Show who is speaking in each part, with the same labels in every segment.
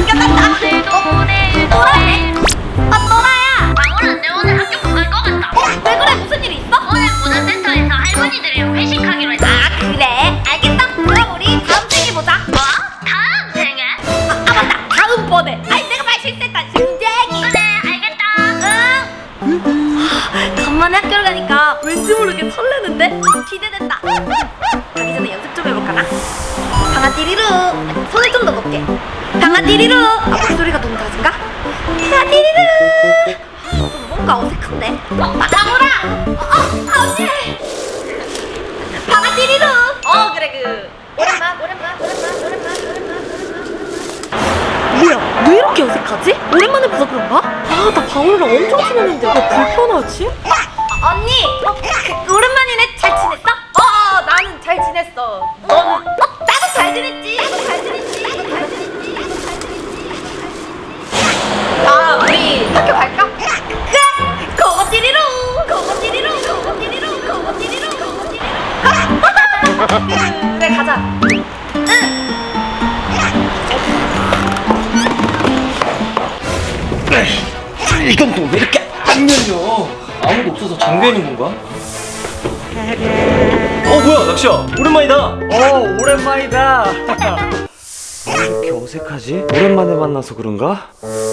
Speaker 1: 끝났다. 또라네. 또라야.
Speaker 2: 방울아, 내 오늘 학교 못 갈 것 같다.
Speaker 1: 왜 그래? 무슨 일 있어?
Speaker 2: 오늘 문화센터에서 할머니들이랑 회식하기로 했다.
Speaker 1: 아 그래? 알겠어. 그럼 우리 다음 생에 보자.
Speaker 2: 뭐? 다음 생에?
Speaker 1: 맞다. 다음번에. 아니 내가 말 실수했다. 심쟁이.
Speaker 2: 그래, 알겠다.
Speaker 1: 응. 간만에 학교를 가니까 왠지 모르게 설레는데? 기대된다. 가기 전에 연습 좀 해볼까나? 방아띠리루. 손을 좀 더 높게. 방아띠리루. 목소리가 너무 낮은가? 방아띠리루. 좀 뭔가 어색한데? 방울아. 언니. 방아띠리루. 그래 오랜만. 뭐야, 왜 이렇게 어색하지? 오랜만에 봐서 그런가? 나 방울이랑 엄청 친했는데 왜 불편하지? 언니! 오랜만이네. 잘 지냈어? 나는 잘 지냈어. 너는? 나도 잘 지냈지. 우리 학교 갈까? 그래! 고고띠리루! 그래, 가자. 응!
Speaker 3: 이건 또 왜 이렇게 안 열려? 아무도 없어서 잠겨 있는 건가? 뭐야 낚시야 오랜만이다. 오랜만이다. 왜 이렇게 어색하지? 오랜만에 만나서 그런가?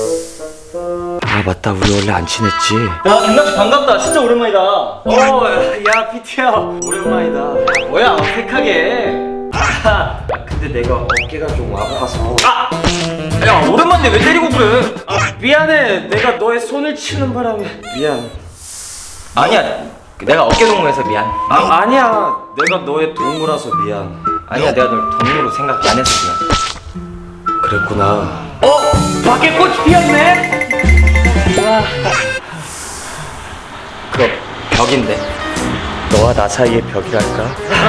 Speaker 3: 아 맞다, 우리 원래 안 친했지. 야 김낚시 반갑다. 진짜 오랜만이다. 야 피트야 오랜만이다. 뭐야 어색하게. 근데 내가 어깨가 좀 아파서. 야 오랜만인데 왜 때리고 그래? 미안해. 내가 너의 손을 치는 바람에 미안. 아니야, 내가 어깨 동무해서 미안. 아니야, 내가 너의 동무라서 미안. 아니야, 내가 널 동무로 생각 안 해서 미안. 그랬구나. 밖에 꽃이 피었네. 그거 벽인데. 너와 나 사이의 벽이랄까?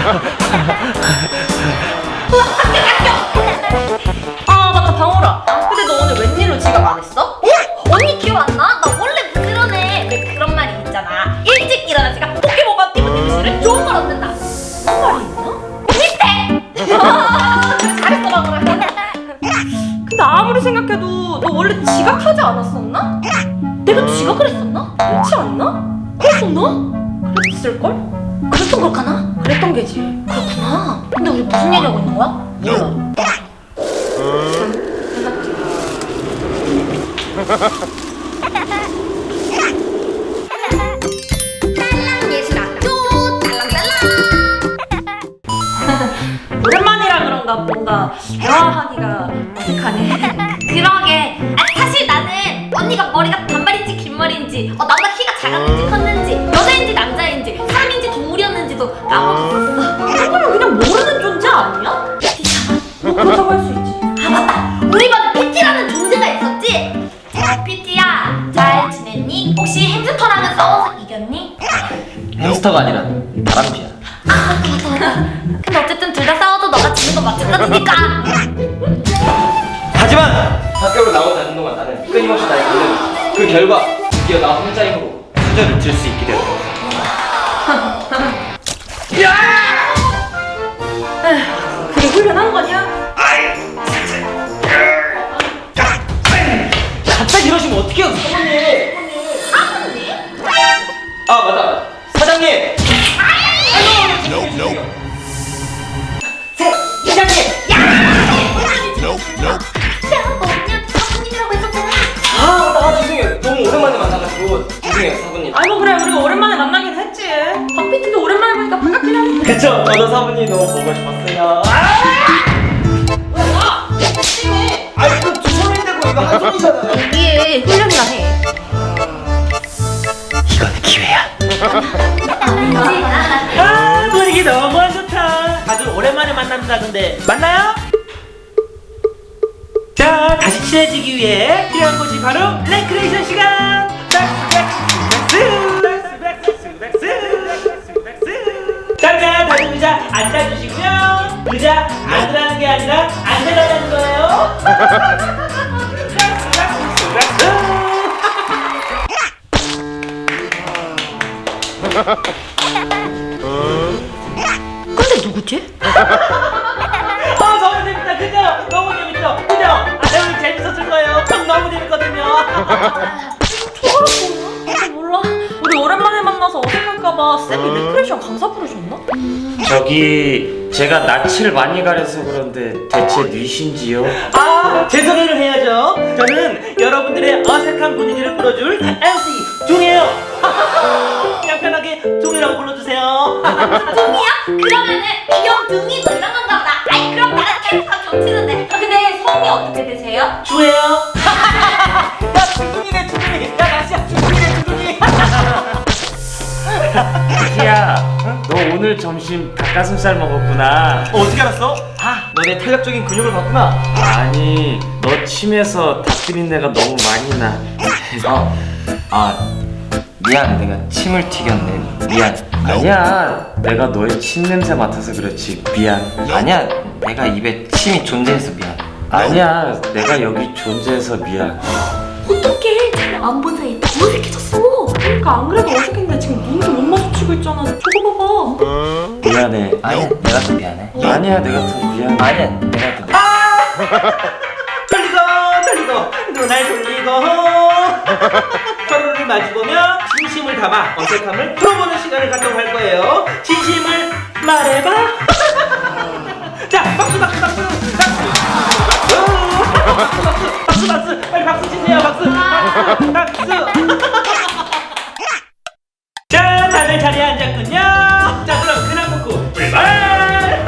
Speaker 1: 맞다, 방울아. 근데 너 오늘 웬일로 지각 안 했어? 언니 기억 안 나? 나 원래 부지런해. 왜 그런 말이 있잖아. 일찍 일어난 지가 포켓몬만 띠부띠부씨를 좋은 걸 얻는다. 무슨 말이 있나? 비슷해! 잘했어, 방울아. 근데 아무리 생각해도 너 원래 지각하지 않았었나? 내가 지각을 했었나? 그렇지 않나? 그랬었나? 그랬을걸? 그랬던 걸까나? 그랬던 게지. 그렇구나. 근데 우리 무슨 얘기하고 있는 거야? 몰라. 오랜만이라 그런가 뭔가 대화하기가 어색하네. 그러게. 사실 나는 언니가 머리가 단발인지 긴 머리인지 나보다 키가 작았는지 컸는지 여자인지 남자인지 사람인지 동물이었는지도 까먹었어. 그거는 그냥 모르는 존재 아니야? PT잖아. 그렇다고 할 수 있지. 맞다. 우리 반에 PT라는 존재가 있었지? PT야, 잘 지냈니? 혹시 햄스터랑은 싸워서 이겼니?
Speaker 3: 햄스터가 아니라 다람쥐야.
Speaker 1: 맞다. 근데 어쨌든 둘 다 싸워도 너가 지는 건 마찬가지니까.
Speaker 3: 하지만 학교로 나오지 않는 동안 나는 끊임없이 나의 고뇌를, 그 결과 드디어 나 혼자 힘으로 수저를 들 수 있게 되었다.
Speaker 1: 그게 훈련한 거냐?
Speaker 3: 갑자기 이러시면 어떡해요, 사모님?
Speaker 1: 사모님?
Speaker 3: 맞다, 사장님!
Speaker 1: 이장님!
Speaker 2: 내가 언니한테 사부님이라고 했었잖아.
Speaker 3: 죄송해요. 너무 오랜만에 만나가지고 죄송해요, 사부님.
Speaker 4: 그래, 우리가 오랜만에 만나긴 했지. 박PT도 오랜만에 보니까 반갑긴 하네.
Speaker 3: 그쵸? 저도 사부님 너무 보고 싶었어요. 이거 두 손이 되고 이거 한 손이잖아요.
Speaker 1: 이게 훈련이라 해.
Speaker 3: 이건 기회야.
Speaker 4: 분위기 너무 좋다. 다들 오랜만에 만난다던데 만나요? 자, 다시 친해지기 위해 필요한 것이 바로 레크레이션 시간. 자, 다른 의자 앉아주시고요. 의자 앉으라는 게 아니라 앉으라는 거예요.
Speaker 1: 근데 누구지?
Speaker 4: 너무 재밌다, 그죠? 너무 재밌죠, 그죠? 오늘 재밌었죠?
Speaker 1: 몰라. 우리 오랜만에 만나서 어색할까봐 쌤이 레크레이션 강사 부르셨나?
Speaker 3: 저기 제가 낯을 많이 가려서 그런데 대체 뉘신지요?
Speaker 4: 아, 제 소개를 해야죠. 저는 여러분들의 어색한 분위기를 풀어줄 MC 종이에요. 그냥 편하게 종이라고 불러주세요.
Speaker 1: 둥이야? 그러면은 귀여운 둥이 뭐 이런 건가 보다. 아이 그럼 나랑 캐릭터가 겹치는데. 근데 성이 어떻게 되세요?
Speaker 4: 주예요. 야, 주둥이네, 주둥이. 야, 나시야, 주둥이네, 주둥이.
Speaker 3: 비티야, 너 오늘 점심 닭가슴살 먹었구나.
Speaker 4: 어떻게 알았어?
Speaker 3: 아, 너네 탄력적인 근육을 봤구나. 아니, 너 침에서 닭 비린내가 너무 많이 나.
Speaker 5: 미안, 내가 침을 튀겼네. 미안.
Speaker 3: 아니야, 내가 너의 침 냄새 맡아서 그렇지. 미안.
Speaker 5: 아니야, 내가 입에 침이 존재해서 미안.
Speaker 3: 아니야, 내가 여기 존재해서 미안.
Speaker 1: 어떡해. 잘 안 본 사이에 더 어색해졌어. 그러니까 안 그래도 어색했는데 지금 눈도 못 마주치고 있잖아. 저거 봐봐.
Speaker 3: 미안해.
Speaker 5: 아니야, 내가 더 미안해.
Speaker 3: 아니야, 내가 더 미안해.
Speaker 5: 아니야, 내가 더 미안해.
Speaker 4: 돌리고 눈알 돌리고 서로를 마주보며 진심을 담아 어색함을 풀어보는 시간을 갖도록 할 거예요. 진심을 말해봐. 자, 박수 박수 박수 박수 박수 빨리 박수 치세요. 박수 박수. 자, 다들 자리에 앉았군요. 자, 그럼 근황 토크 출발.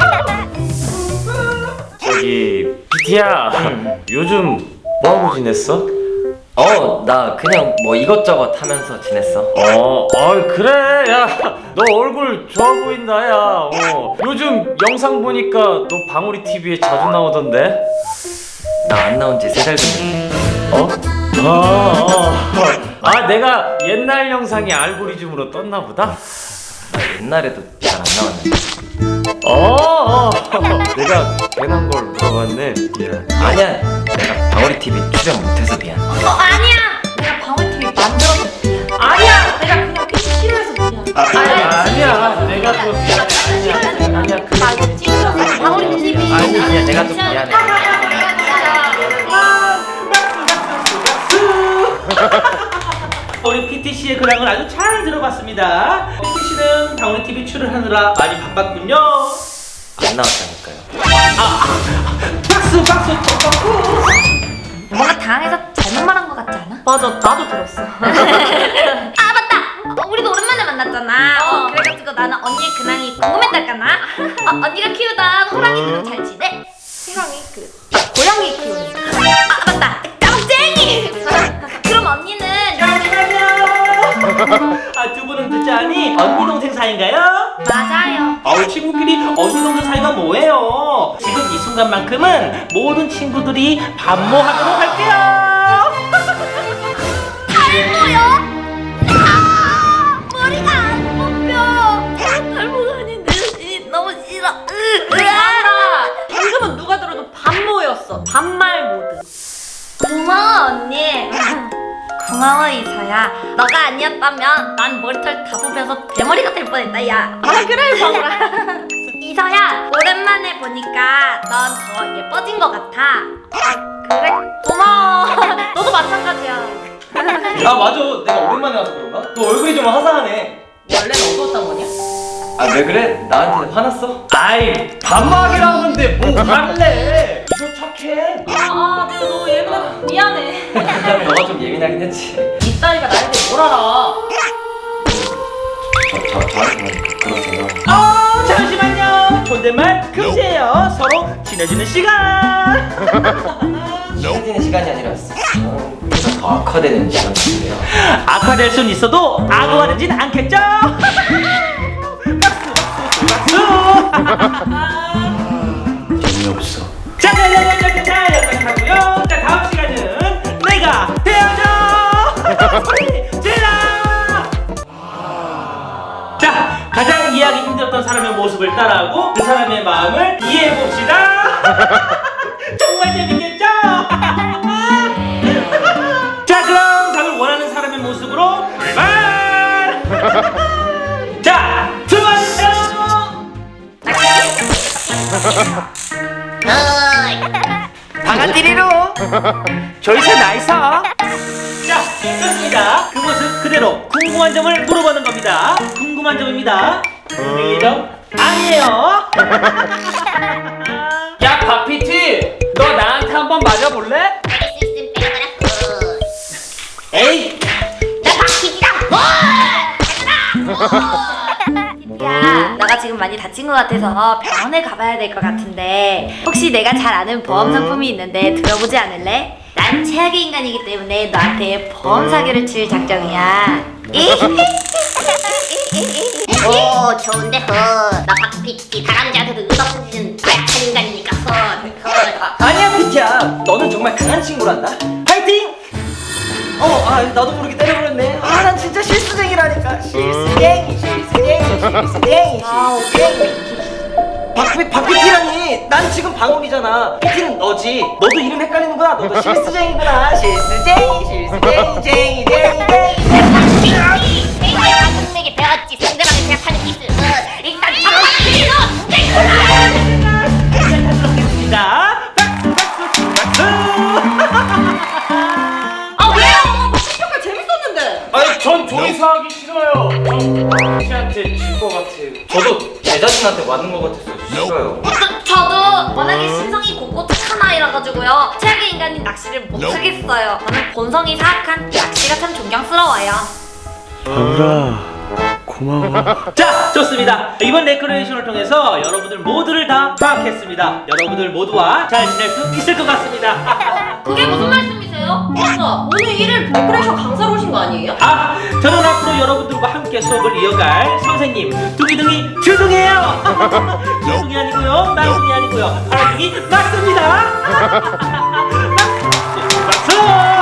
Speaker 3: 저기 비티야, 요즘 뭐하고 지냈어?
Speaker 5: 나 그냥 뭐 이것저것 하면서 지냈어.
Speaker 3: 그래. 야, 너 얼굴 좋아 보인다, 야. 요즘 영상 보니까 너 방울이 TV에 자주 나오던데.
Speaker 5: 나 안 나온 지 3달 됐네.
Speaker 3: 내가 옛날 영상이 알고리즘으로 떴나 보다.
Speaker 5: 나 옛날에도 잘 안 나왔는데.
Speaker 3: 내가 괜한 걸 물어봤네. 미안.
Speaker 5: 아니야, 내가 방울이 TV 출연 못해서 미안.
Speaker 1: 아니야. 내가 방울TV 만들어서 미안. 아니야. 내가 그냥 PC 싫어해서 미안.
Speaker 3: 아니야, 내가 더 미안해. 아니야.
Speaker 1: 나 이거 찍으려고 방울TV.
Speaker 5: 아니야, 내가 더 미안해.
Speaker 4: 우리 PT 씨의 근황을 아주 잘 들어봤습니다. PT 씨는 방울이 TV 출연하느라 많이 바빴군요.
Speaker 5: 안 나왔다니까요.
Speaker 4: 박수 박수 박수.
Speaker 1: 뭔가 당황해서 잘못 말한 것 같지 않아? 맞아, 나도 들었어. 아 맞다. 우리도 오랜만에 만났잖아. 그래가지고 나는 언니의 근황이 궁금했달까나. 언니가 키우던 호랑이들은 잘 지내? 호랑이 고양이 키우는. 아 맞다. 깜쟁이. 그럼 언니는
Speaker 4: 두 분은 듣자니 언니 동생 사이인가요?
Speaker 1: 맞아요.
Speaker 4: 친구끼리 언니 동생 사이가 뭐예요? 지금 이 순간만큼은 모든 친구들이 반모하도록 할게요.
Speaker 1: 탈모요? 머리가 안 뽑혀. 탈모가 아닌데 너무 싫어. 알아. 방금은 누가 들어도 반모였어. 반말 모드. 고마워 언니. 고마워 이서야. 너가 아니었다면 난 머리털 다 뽑혀서 대머리가 될 뻔했다 야. 그래 방울아. 이서야 오랜만에 보니까 넌 더 예뻐진 것 같아. 그래? 고마워. 너도 마찬가지야.
Speaker 5: 맞아, 내가 오랜만에 와서 그런가? 너 얼굴이 좀 화사하네.
Speaker 1: 원래는 어두웠단 거냐?
Speaker 5: 왜 그래? 나한테 화났어?
Speaker 3: 아이, 반말이라고 하는데 뭐 할래? 이거 착해.
Speaker 1: 내가 너무 미안해.
Speaker 5: 그다음에 너가 좀 예민하긴 했지.
Speaker 1: 이 딸이가 나에 대해 뭘 알아?
Speaker 5: 저한테 그러세요.
Speaker 4: 잠시만요. 존댓말 금지예요. 서로 친해지는 시간.
Speaker 5: 친해지는 시간이 아니라 서로 더 악화되는 시간 같은데요.
Speaker 4: 악화될 순 있어도 악화되진 않겠죠? 박수 박수 박수.
Speaker 3: 재미없어.
Speaker 4: 자, 여기까지 하고요. 자, 다음 시간은 내가 되어줘. 소리 질러. 자, 가장 이해하기 힘들었던 사람의 모습을 따라하고 그 사람의 마음을 이해해 봅시다. 정말 재밌겠죠? 자, 그럼 답을 원하는 사람의 모습으로 출발. 자, 수고하셨어요.
Speaker 5: 방아띠리로.
Speaker 4: 저희서 나이스. 자, 궁금한 점을 물어보는 겁니다. 궁금한 점입니다. 궁금한 점 아니에요.
Speaker 3: 야 박PT, 너 나한테 한번 맞아볼래?
Speaker 4: 에이,
Speaker 1: 야, 나가 지금 많이 다친 것 같아서 병원에 가봐야 될 것 같은데 혹시 내가 잘 아는 보험 상품이 있는데 들어보지 않을래? 난 최악의 인간이기 때문에 너한테 보험 사기를 칠 작정이야.
Speaker 2: 오 좋은데 나 박PT 다람쥐한테도 의덕해지는 약한 인간이니까
Speaker 5: 아니야 피티야, 너는 정말 강한 친구란다. 파이팅! 나도 모르게 때려버렸네. 난 진짜 실수쟁이라니까. 실수쟁이. 박PT라니. 난 지금 방울이잖아. PT는 너지. 너도 이름 헷갈리는구나. 너도 실수쟁이구나. 실수쟁이.
Speaker 2: 박PT 배웠지. 상대방을 생각하는 기술 일단 박PT 너
Speaker 4: 자, 박수.
Speaker 1: 아 왜요? 박PT 정말 재밌었는데.
Speaker 3: 아니 전 조이사 하기 싫어요. 전 박PT한테 질 것 같아요.
Speaker 5: 저도 제 자신한테 맞는 것 같았어요. 싫어요.
Speaker 1: 저도 워낙에 심성이 곱고 착한 아이라 가지고요 최악의 인간인 낚시를 못하겠어요. 저는 본성이 사악한 낚시가 참 존경스러워요.
Speaker 3: 방울아, 고마워.
Speaker 4: 자, 좋습니다. 이번 레크레이션을 통해서 여러분들 모두를 다 파악했습니다. 여러분들 모두와 잘 지낼 수 있을 것 같습니다.
Speaker 1: 그게 무슨 말씀이세요? 맞아, 오늘 1일 데코레이션 강사로 오신 거 아니에요?
Speaker 4: 저는 앞으로 여러분들과 함께 수업을 이어갈 선생님 둥이둥이 주둥이에요. 주둥이 아니고요, 말둥이 아니고요, 파랑둥이 맞습니다. 박수.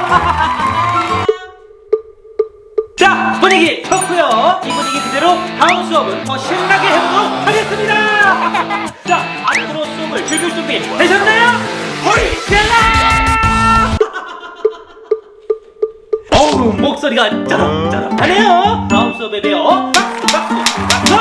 Speaker 4: 자, 분위기 좋고요. 이 분위기 그대로 다음 수업은 더 신나게 해보도록 하겠습니다. 자, 앞으로 수업을 즐길 준비 되셨나요? 허리 셀라! 어우, 목소리가 짜락짜락하네요. 다음 수업에 봬요. 박수.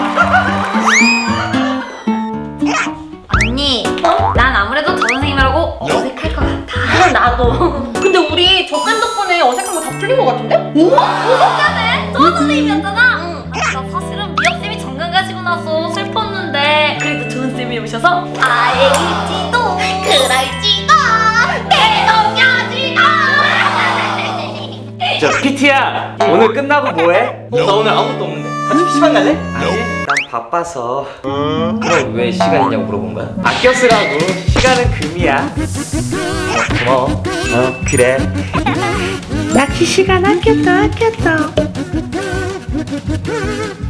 Speaker 1: 언니, 난 아무래도 저 선생님이라고 어색할 것 같아. 나도. 근데 우리 저 쌤 덕분에 어색한 거 다 풀린 것 같은데? 어색하네? 저 선생님이었잖아. 나 사실은 미역쌤이 정강 가시고 나서 슬펐는데 그래도 좋은 쌤이 오셔서 알지도
Speaker 2: 그럴지도 내 동료지도
Speaker 3: 저 PT야, 오늘 끝나고 뭐해?
Speaker 5: 나 오늘 아무것도 없는데. 같이 PC방 갈래?
Speaker 3: 아니, 난 바빠서.
Speaker 5: 그럼 왜 시간 있냐고 물어본 거야?
Speaker 3: 아껴 쓰라고. 시간은 금이야.
Speaker 5: 고마워.
Speaker 3: 그래. 낚시 시간 아꼈다.